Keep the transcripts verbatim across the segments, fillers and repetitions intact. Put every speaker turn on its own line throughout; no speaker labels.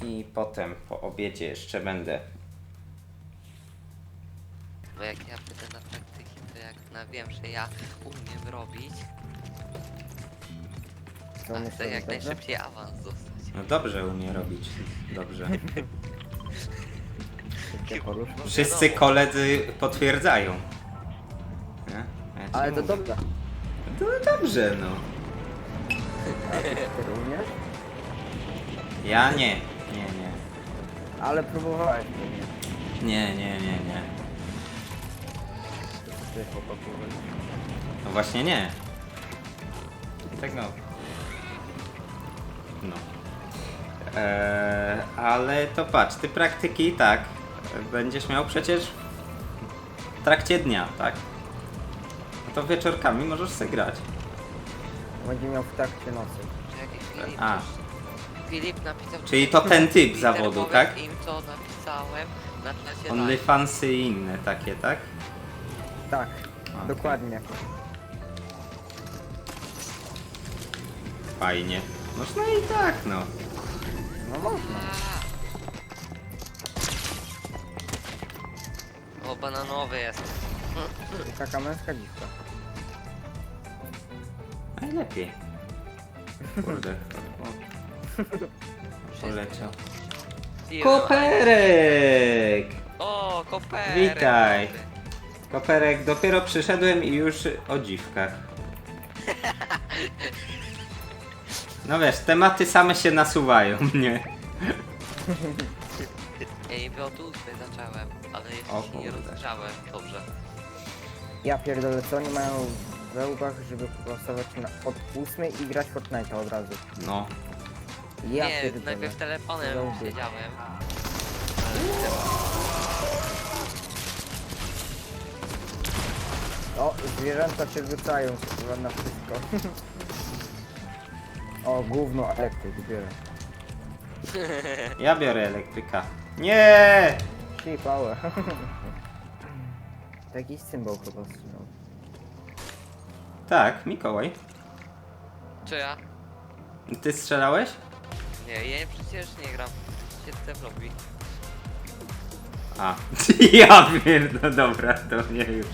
I potem po obiedzie jeszcze będę.
Bo jak ja będę na praktyki, to jak na wiem, że ja umiem robić,
Co
a
myślisz,
chcę jak
dobrze?
najszybciej awans dostać.
No dobrze umie robić. Dobrze.
Szybkie porusz.
No
Wszyscy
wiadomo.
koledzy potwierdzają. Nie? Ja ci
Ale to
mówię.
dobrze.
No dobrze, no.
Ty umiesz?
Ja nie. Nie, nie.
Ale próbowałeś pewnie.
Nie, nie, nie, nie.
Ty chłopaku.
No właśnie nie. Tego. No. Eee, ale to patrz, ty praktyki tak będziesz miał przecież w trakcie dnia, tak? No to wieczorkami możesz sobie grać.
Będzie miał w trakcie nocy.
Czy jakiś Filip,
A,
Filip napisał...
czyli to ten typ
Peter,
zawodu,
powiedz
tak?
im, co napisałem na czasie live.
OnlyFansy i inne takie, tak?
Tak,
Okej.
dokładnie.
Fajnie. Można i tak, no.
No można.
O, bananowy jest.
Taka męska dziwka.
Najlepiej. Kurde. O, poleciał. Koperek!
O, koperek!
Witaj. Koperek, dopiero przyszedłem i już o dziwkach. No wiesz, tematy same się nasuwają, nie?
Ej, bo tu zacząłem, ale
O
jeszcze się nie
kurde.
rozgrzałem. Dobrze.
Ja pierdolę, co oni mają we łbach, żeby głosować na, od ósmej i grać Fortnite'a od razu.
No.
Ja
nie,
pierdolę.
najpierw telefonem
Dobrze.
siedziałem.
O, zwierzęta się rzucają chyba na wszystko. O, gówno elektryk bierę.
Ja biorę elektryka. Nie!
Shit, power. Jakiś symbol chyba strzelał.
Tak, Mikołaj.
Czy ja?
Ty strzelałeś?
Nie, ja przecież nie gram. Siedzę w lobby.
A. Ja wiem, no dobra, to nie już.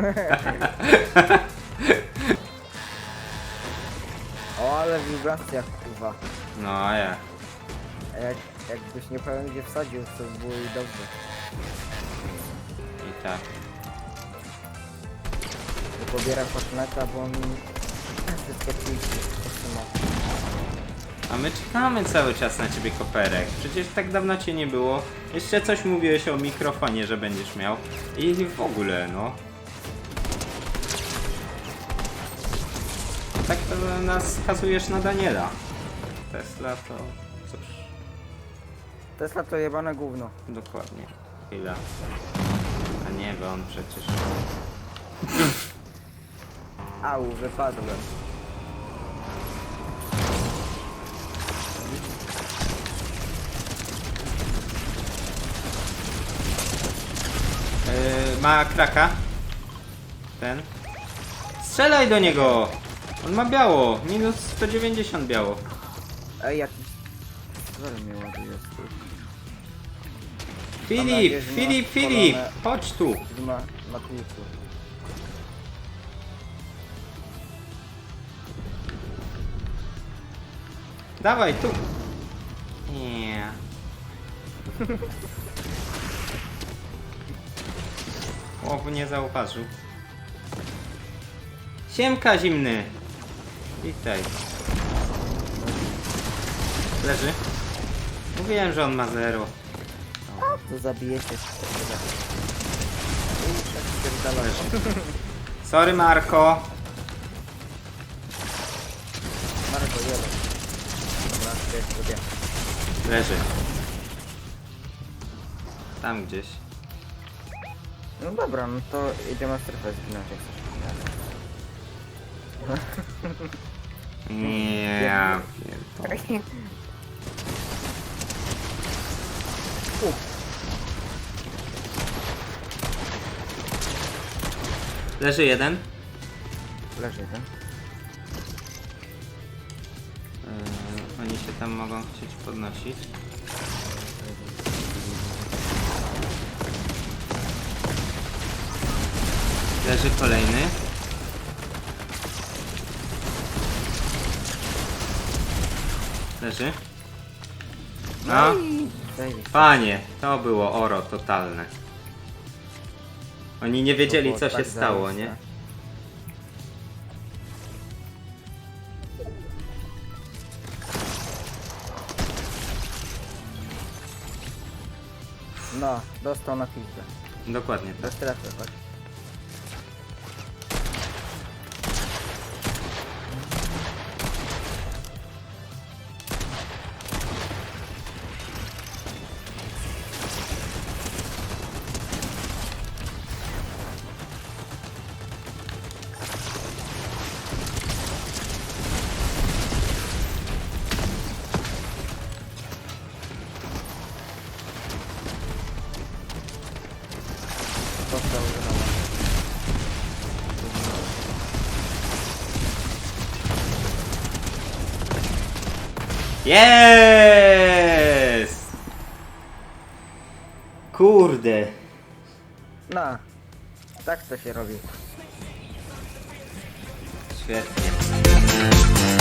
O, ale wibracja kurwa.
No a ja.
A jak, jakbyś nie powiem gdzie wsadził, to by było i dobrze.
I tak.
Bo pobiera Fortnite'a, bo on wszystko ci
A my czekamy cały czas na ciebie, Koperek. Przecież tak dawno cię nie było. Jeszcze coś mówiłeś o mikrofonie, że będziesz miał. I w ogóle, no. Tak to nas skazujesz na Daniela. Tesla to... cóż,
Tesla to jebane gówno.
dokładnie. Chwila. A nie, bo on przecież...
Au, wypadłem.
Yy, ma kraka. Ten. Strzelaj do niego! On ma biało. Minus sto dziewięćdziesiąt biało.
Ej, jakiś... Zero mnie ładuje jest tu.
Filip,
nadzieję, że
Filip,
masz
Filip!
polone-
Chodź tu!
Ma, ma tłuku.
Dawaj tu! Nie. O, nie zauważył. Siemka zimny! Witaj. Leży? Mówiłem, że on ma zero.
To zabijecie. I tak spierdala.
Sorry, Marko.
Marko, jeden. Dobra, to jest sobie.
Leży. Tam gdzieś.
No dobra, no to idziemy w strefę zginąć jak chcesz.
Nie, ja pierdolę. Leży jeden.
Leży jeden.
Yy, oni się tam mogą chcieć podnosić. Leży kolejny. Leży. No,
Zajebiście.
panie, to było oro totalne. Oni nie
To
wiedzieli,
było
co się
tak
stało,
zajebiste.
nie?
No, dostał na pizdę.
Dokładnie
Do
tak.
strefy, chodź. Dostał granat.
Jest! Kurde.
No, tak to się robi.
Świetnie.